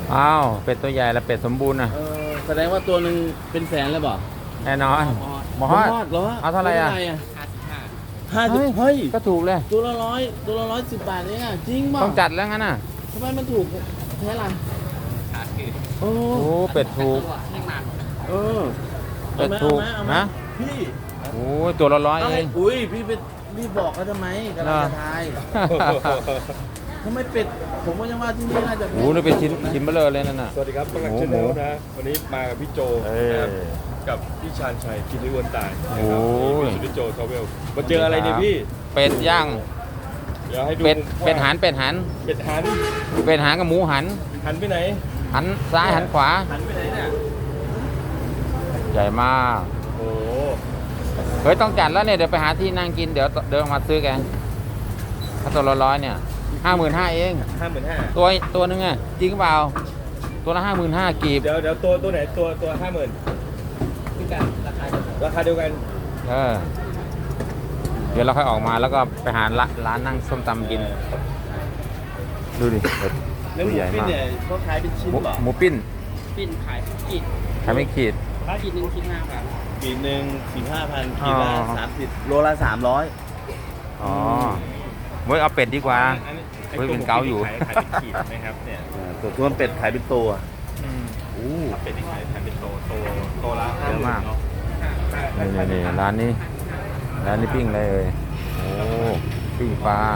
อ้าวเป็ดตัวใหญ่และเป็ดสมบูรณ์นะแสดงว่าตัวหนึ่งเป็นแสนเลยบ่แน่นอนหมอฮฮออดดเหรอเอาเท่าไหร่อ่ะ 55เฮ้ยก็ถูกเลยตัวละ110 บาทเองอ่ะจริงป่ะต้องจัดแล้วงั้นน่ะทำไมมันถูกแท้ล่ะโอ้โอ้เป็ดถูกเออเป็ดถูกเอาไหมนะพี่โอ้ยตัวละ100เองอุ้ยพี่ไปรีบบอกเขาทำไมกำลังจะทายทำไมเป็ดผมก็ยังว่าที่นี่น่าจะโอ้นี่เป็นชิ้นเบลอเลยนั่นน่ะสวัสดีครับปังหลักชาแนลนะ วันนี้มากับพี่โจเอ้ยนะครับกับพี่ชาญชัยกินด้วยวนตายโอ้ยพี่โจทาวเวลมาเจออะไรเนี่ยพี่เป็ดย่างเดี๋ยวให้ดูเป็ดหันเป็ดหันเป็ดหันเป็ดหันกับหมูหันหันไปไหนหันซ้ายหันขวาหันไปไหนเนี่ยใหญ่มากโอ้โหเฮ้ยต้องจัดแล้วเนี่ยเดี๋ยวไปหาที่นั่งกินเดี๋ยวเดินมาซื้อกันถ้าตัวละ100เนี่ย55,000เอง 55,000 ตัวนึงอ่ะจริงเปล่าตัวละ55,000กีบเดี๋ยวตัวไหนตัว50,000 พี่กันราคาเดียวกันราคาเดียวกันเออเดี๋ยวเราค่อยออกมาแล้วก็ไปหาร้านนั่งส้มตำกินดูดิเป็ดแล้วตัวหมูใหญ่ปิ้นมากเนี่ยเขาขายเป็นชิ้นหมูเหรอหมูปิ้นปิ้นขายขีดขายไม่ขีดขีดหนึ่งคิด5 บาทขีดหนึ่ง15,000ขีดละอ๋อ 30โลละ300 อ๋อเว้ยเอาเป็ดดีกว่าอันนี้เฮ้ยเป็นเกาอยู่ขายเป็นขีดนะครับเนี่ยตัวเป็ดขายเป็นตัวอู้เป็ดที่ขายเป็นโตละเยอะมากเนาะนี่ร้านนี้ปิ้งอะไรเอ่ยโอ้ปิ้งปลา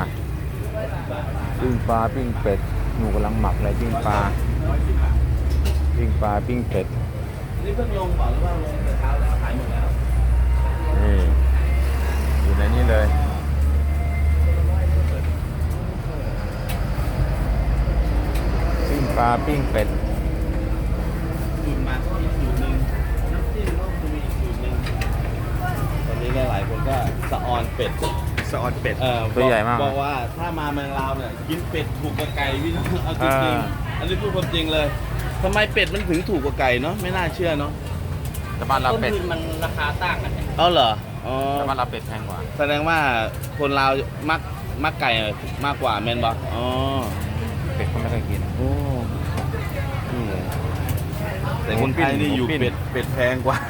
ปิ้งเป็ดหนูกำลังหมักเลยปิ้งปลาปิ้งเป็ดนี่เพิ่งลงก่อนหรือว่าลงแต่เช้าแล้วขายหมดแล้วนี่อยู่ในนี้เลยปิ้งปลาปิ้งเป็ดสูตรมาก็มีสูตรหนึ่งน้ำจิ้มก็มีอีกสูตรหนึ่งตอนนี้หลายๆคนก็สะออนเป็ดสะออนเป็ดตัวใหญ่มากบอกว่าถ้ามาเมืองลาวเนี่ยกินเป็ดถูกกว่าไก่พี่น้องเอาจริงๆอันนี้พูดความจริงเลยทำไมเป็ดมันถึงถูกกว่าไก่เนาะไม่น่าเชื่อเนาะแต่บ้านเราต้นเป็ดทุนมันราคาต่างกันเนี่ยเอาเหรออ๋อแต่บ้านเราเป็ดแพงกว่าแสดงว่าคนลาวมักไก่มากกว่าแมนบออ๋อเป็ดเขาไม่เคยกินโอ้นี่ไงแต่คนไทยนี่อยู่เป็ดแพงกว่า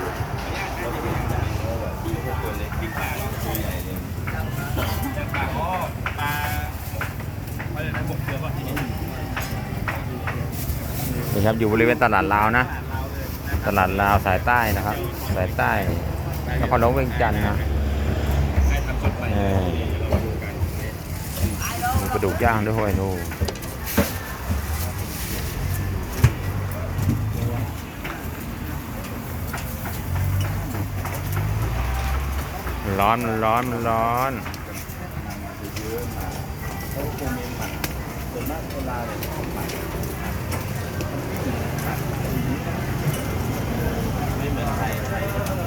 นี่ครับอยู่บริเวณตลาดลาวนะ ตลาดลาวสายใต้นะครับ สายใต้นครหลวงเวียงจันทร์นะมีกระดูกย่างด้วยห้วยนู่นร้อนมันร้อนมันร้อนส่วนมากคนลาวเนี่ยไม่เหมือนไทยก็รส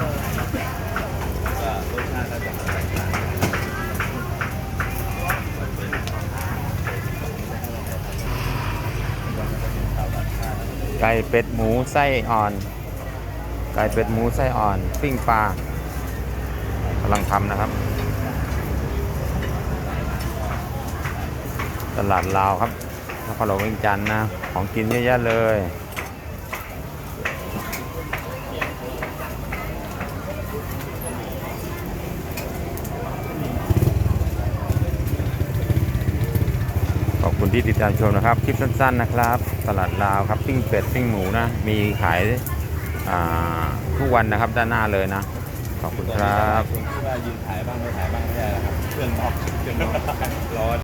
ชาติก็จะแตกต่างไก่เป็ดหมูไส้อ่อน ไก่เป็ดหมูไส้อ่อน ปิ้งปลากำลังทำนะครับ ตลาดลาวครับนครหลวงเวียงจันทร์นะ ของกินเยอะแยะเลย ขอบคุณที่ติดตามชมนะครับ คลิปสั้นๆนะครับ ตลาดลาวครับ ปิ้งเป็ด ปิ้งหมูนะ มีขายทุกวันนะครับด้านหน้าเลยนะ ขอบคุณครับคนที่ว่ายืนถ่ายบ้างไม่ถ่ายบ้างไม่ได้แล้วครับเครื่องนอกร้อน